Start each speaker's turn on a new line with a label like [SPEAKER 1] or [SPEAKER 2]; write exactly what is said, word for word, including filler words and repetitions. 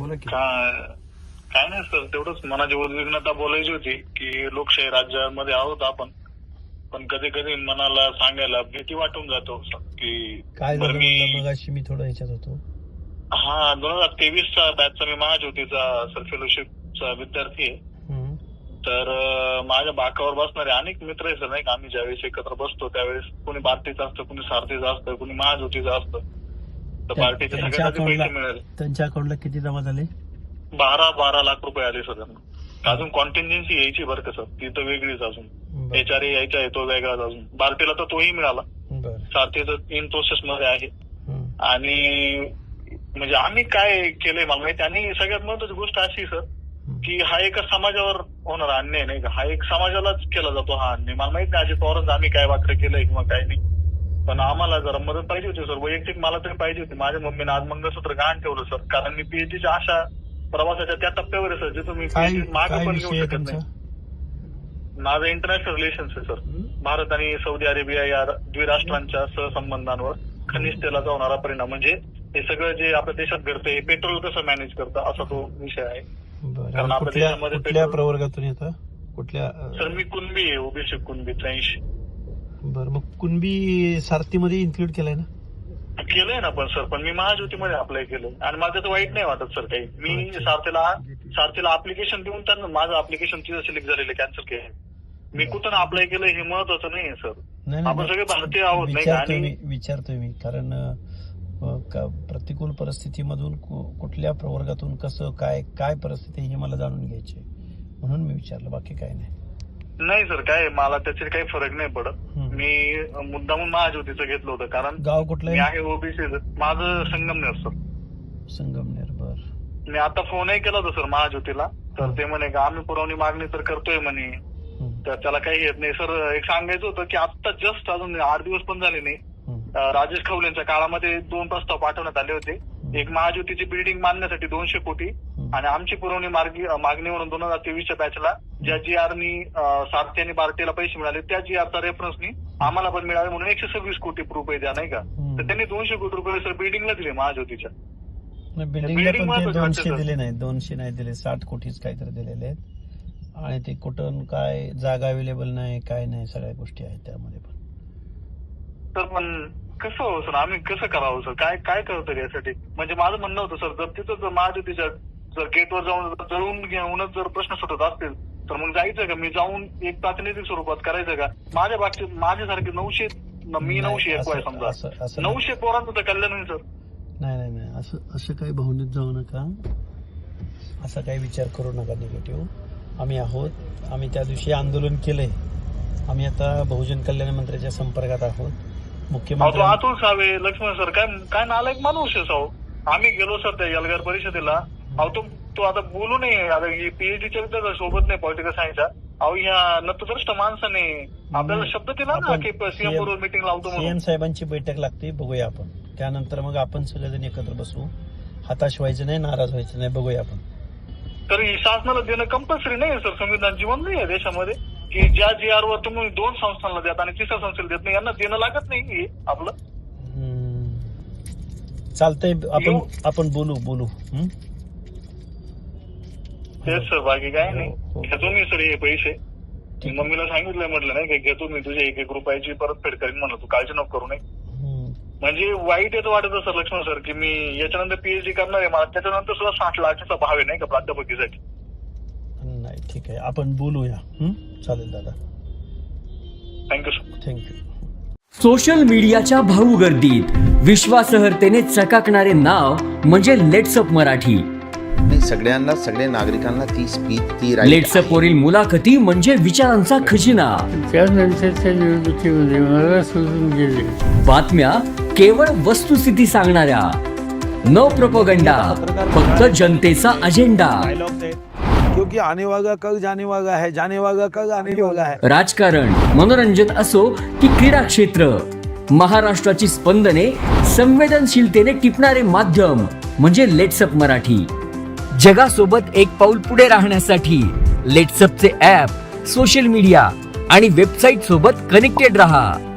[SPEAKER 1] बोला की.
[SPEAKER 2] काय नाही सर, तेवढंच मनाची उद्विग्नता बोलायची होती की लोकशाही राज्यामध्ये आहोत आपण, पण कधी कधी मनाला सांगायला भीती वाटून जातो की
[SPEAKER 1] काय
[SPEAKER 2] बरं
[SPEAKER 1] झालं
[SPEAKER 2] मी
[SPEAKER 1] म्हणलं मगाशी मी थोडं ह्याच्यात होतो.
[SPEAKER 2] हा दोन हजार तेवीसचा बॅचचा मी महाज्योतीचा सर फेलोशिपचा विद्यार्थी आहे.
[SPEAKER 1] हम्म.
[SPEAKER 2] तर अं, माझ्या बाकावर बसणारे अनेक मित्र आहे सर, नाही का. आम्ही ज्यावेळेस एकत्र बसतो त्यावेळेस कोणी भारतीचं असतं, कोणी सारथीचं असतं, कोणी महाज्योतीचं असतं. तर
[SPEAKER 1] त्या-
[SPEAKER 2] पार्टीचे
[SPEAKER 1] त्यांच्या
[SPEAKER 2] सगळ्यात पैसे
[SPEAKER 1] अकाउंटला
[SPEAKER 2] मिळाले.
[SPEAKER 1] त्यांच्या अकाउंटला किती जमा झाले?
[SPEAKER 2] बारा बारा लाख रुपये आले सर त्यांना. अजून कॉन्टिन्जन्सी यायची बरं का सर, ती तर वेगळीच अजून.
[SPEAKER 1] बरं.
[SPEAKER 2] एच आर ए यायचा आहे तो वेगळाच अजून. बार्टीला तर तोही मिळाला.
[SPEAKER 1] बरं.
[SPEAKER 2] सारथीचं इन प्रोसेस मध्ये आहे.
[SPEAKER 1] हम्म.
[SPEAKER 2] आणि म्हणजे आम्ही काय केलंय मला माहिती. आणि सगळ्यात महत्वाची गोष्ट अशी सर की हा एका समाजावर होणारा अन्याय नाही का, हा एक समाजालाच केला जातो हा अन्याय. मला माहित नाही अजित पवारांचं आम्ही काय वाकडे केलंय किंवा काय नाही, पण आम्हाला जरा मदत पाहिजे होती सर. वैयक्तिक मला तरी पाहिजे होती. माझ्या मम्मीने आज मंगळसूत्र गहाण ठेवलं सर, कारण मी पीएचडीच्या आशा प्रवासाच्या त्या टप्प्यावर आहे सर जिथं मी
[SPEAKER 1] काय
[SPEAKER 2] पीएचडी मागे
[SPEAKER 1] काय
[SPEAKER 2] पण
[SPEAKER 1] विषय
[SPEAKER 2] घेऊ
[SPEAKER 1] आहे
[SPEAKER 2] शकत
[SPEAKER 1] तुमचा?
[SPEAKER 2] नाही. माझं इंटरनॅशनल रिलेशन्स आहे सर. भारत आणि सौदी अरेबिया या द्विराष्ट्रांच्या सहसंबंधांवर खनिज तेलाचा होणारा परिणाम, म्हणजे हे सगळं जे आपल्या देशात घडतंय, हे पेट्रोल कसं मॅनेज करतं असा तो विषय आहे.
[SPEAKER 1] बरं.
[SPEAKER 2] कारण
[SPEAKER 1] आणि
[SPEAKER 2] आपल्या
[SPEAKER 1] कुठल्या
[SPEAKER 2] देशामध्ये
[SPEAKER 1] कुठल्या
[SPEAKER 2] पेट्रोल-
[SPEAKER 1] प्रवर्गातून येतं? कुठल्या
[SPEAKER 2] सर मी कुणबी आहे, ओबीसी कुणबी त्र्याऐंशी.
[SPEAKER 1] बरं, मग कुणबी सारथीमध्ये इन्क्लूड केलंय ना?
[SPEAKER 2] केलंय ना पण सर, पण मी महाज्योतीमध्ये अप्लाय केलं आणि मला त्याचं वाईट नाही वाटत सर काही. मी
[SPEAKER 1] अच्छा.
[SPEAKER 2] सारथीला सारथीला अप्लिकेशन देऊन त्यांना माझं अप्लिकेशन तिथं सिलेक्ट झालेलं कॅन्सल केलं. मी कुठून अप्लाय केलं हे महत्वाचं नाही सर.
[SPEAKER 1] नाही
[SPEAKER 2] आपण
[SPEAKER 1] नाही,
[SPEAKER 2] सगळे भारतीय आहोत नाही का.
[SPEAKER 1] विचारतोय
[SPEAKER 2] आणि
[SPEAKER 1] मी विचारतोय मी कारण अं, का- प्रतिकूल परिस्थितीमधून कु- कुठल्या प्रवर्गातून कसं काय काय परिस्थिती आहे हे मला जाणून घ्यायची आहे. म्हणून मी विचारलं, बाकी काय नाही.
[SPEAKER 2] नाही सर, काय मला त्याचे काही फरक नाही पडत.
[SPEAKER 1] हम्म.
[SPEAKER 2] मी मुद्दामून महाज्योतीचं घेतलं होतं कारण
[SPEAKER 1] गाव कुठलं
[SPEAKER 2] मी
[SPEAKER 1] आहे?
[SPEAKER 2] आहे ओबीसी. माझं संगमनेर सर.
[SPEAKER 1] संगमनेर. बर.
[SPEAKER 2] मी आता फोनही केला होता सर महाज्योतीला, तर ते म्हणे का आम्ही पुरवणी मागणी तर करतोय म्हणे,
[SPEAKER 1] हम्म.
[SPEAKER 2] तर त्याला काही येत नाही सर. एक सांगायचं होतं की आता जस्ट अजून आठ दिवस पण झाले नाही,
[SPEAKER 1] हम्म.
[SPEAKER 2] अं, राजेश खवलेंच्या काळामध्ये दोन प्रस्ताव पाठवण्यात आले होते. एक महाज्योतीची बिल्डिंग बांधण्यासाठी दोनशे कोटी आणि आमची पुरवणी मार्गी मागणी म्हणून दोन हजार तेवीसच्या बॅचला ज्या जी आरनी सारथी आणि बार्टीला पैसे मिळाले त्या जी आरचा रेफरन्सनी आम्हाला पण मिळाले म्हणून एकशे सव्वीस कोटी रुपये द्या नाही का.
[SPEAKER 1] हम्म.
[SPEAKER 2] तर त्यांनी दोनशे कोटी रुपये सर बिल्डिंगला दिले महाज्योतीच्या.
[SPEAKER 1] नाही, बिल्डिंगला
[SPEAKER 2] बिल्डिंग
[SPEAKER 1] पण ते
[SPEAKER 2] महत्वाची वाटते
[SPEAKER 1] दोनशे
[SPEAKER 2] सर.
[SPEAKER 1] दिले नाही, दोनशे नाही दिले, साठ कोटीच काहीतरी दिलेले आहेत. आणि ते कुठून काय जागा अवेलेबल नाही, काय नाही, सगळ्या गोष्टी आहेत त्यामध्ये पण.
[SPEAKER 2] सर पण कसं हो सर, आम्ही कसं करावं सर, काय काय करतो यासाठी. म्हणजे माझं म्हणणं होतं सर, जर तिथं जर महाज्योतीच्या जर गेटवर जाऊन जळून घेऊनच जर प्रश्न सुटत असतील तर मग जायचं का, मी जाऊन एक प्रातिनिधिक स्वरूपात करायचं का. माझ्या बाबतीत माझ्यासारखे नऊशे मी नऊशे एक आहे
[SPEAKER 1] असं-
[SPEAKER 2] समजा,
[SPEAKER 1] असं- असं नाही.
[SPEAKER 2] नऊशे पोरांचं तर कल्याण होईल सर.
[SPEAKER 1] नाही नाही नाही, असं असं काही भावनेत जाऊ नका, असा काही विचार करू नका निगेटिव्ह. आम्ही आहोत, आम्ही त्या दिवशी आंदोलन केलंय. आम्ही आता बहुजन कल्याण मंत्र्याच्या संपर्कात आहोत.
[SPEAKER 2] अहो, तो
[SPEAKER 1] मुख्यमंत्री
[SPEAKER 2] अतुल सावे लक्ष्मण सर काय काय नालायक माणूस आहे साहो. आम्ही गेलो सर त्या एल्गार परिषदेला. अहो तो तो आता बोलू नये, आता पीएचडीच्या विद्यार्थ्या सोबत नाही पॉलिटिकल सायन्सच्या. अहो ह्या नतद्रष्ट माणसाने आपल्याला शब्द दिला ना
[SPEAKER 1] आपण
[SPEAKER 2] की सीएम बरोबर मिटिंग लावतो
[SPEAKER 1] सीएम
[SPEAKER 2] म्हणून.
[SPEAKER 1] साहेबांची बैठक लागते, बघूया आपण. त्यानंतर मग आपण सगळेजण एकत्र बसू. हताश व्हायचं नाही, नाराज व्हायचं नाही, बघूया आपण.
[SPEAKER 2] तर ही शासनाला देणं कंपल्सरी नाही सर. संविधान जीवन नाही आहे देशामध्ये की ज्या जी आर वर तुम्ही दोन संस्थांना देत आणि तिसऱ्या संस्थेला देत नाही, यांना देणं लागत नाही हे आपलं.
[SPEAKER 1] हम्म. चालतंय, आपण
[SPEAKER 2] येऊ.
[SPEAKER 1] आपण बोलू बोलू हं?
[SPEAKER 2] तेच सर, बाकी काय नाही.
[SPEAKER 1] हो, हो.
[SPEAKER 2] घेतो मी सर हे पैसे.
[SPEAKER 1] ठीक.
[SPEAKER 2] मम्मीला सांगितलंय म्हटलं नाही की घेतो मी तुझे एक एक रुपयाची परतफेड करीन म्हणलं, तू काळजी नको करू नये.
[SPEAKER 1] हं.
[SPEAKER 2] म्हणजे वाईट येतं वाटत सर लक्ष्मण सर की मी याच्यानंतर पीएचडी करणार आहे, मला त्याच्यानंतर सुद्धा साठ लाखाचा भाव आहे नाही का प्राध्यापकीसाठी.
[SPEAKER 1] नाही, ठीक आहे, आपण बोलूया. हं? चालेल दादा,
[SPEAKER 2] थँक्यू सर.
[SPEAKER 1] थँक्यू.
[SPEAKER 3] सोशल मीडियाच्या भाऊ गर्दीत विश्वासार्हतेने चकाकणारे नाव म्हणजे लेट्सअप मराठी.
[SPEAKER 4] नाही, सगळ्यांना सगळ्या नागरिकांना ती स्पीच ती right
[SPEAKER 3] लेट्सअप वरील मुलाखती म्हणजे विचारांचा खजिना.
[SPEAKER 5] त्यानंतरच्या निवडणुकीमध्ये मला सोडून गेले.
[SPEAKER 3] बातम्या केवळ वस्तुस्थिती सांगणाऱ्या, न प्रोपगंडा, फक्त जनतेचा अजेंडा.
[SPEAKER 6] क्योंकि आने वाला कल जाने वाला है, जाने वाला कल आने वाला है.
[SPEAKER 3] राजकारण, मनोरंजन असो की क्रीडा क्षेत्र, महाराष्ट्राची स्पंदने संवेदनशीलतेने टिपणारे माध्यम म्हणजे लेट्सअप मराठी. जगासोबत एक पाऊल पुढे राहण्यासाठी लेट्सअपचे ॲप, सोशल मीडिया आणि वेबसाईट सोबत कनेक्टेड रहा.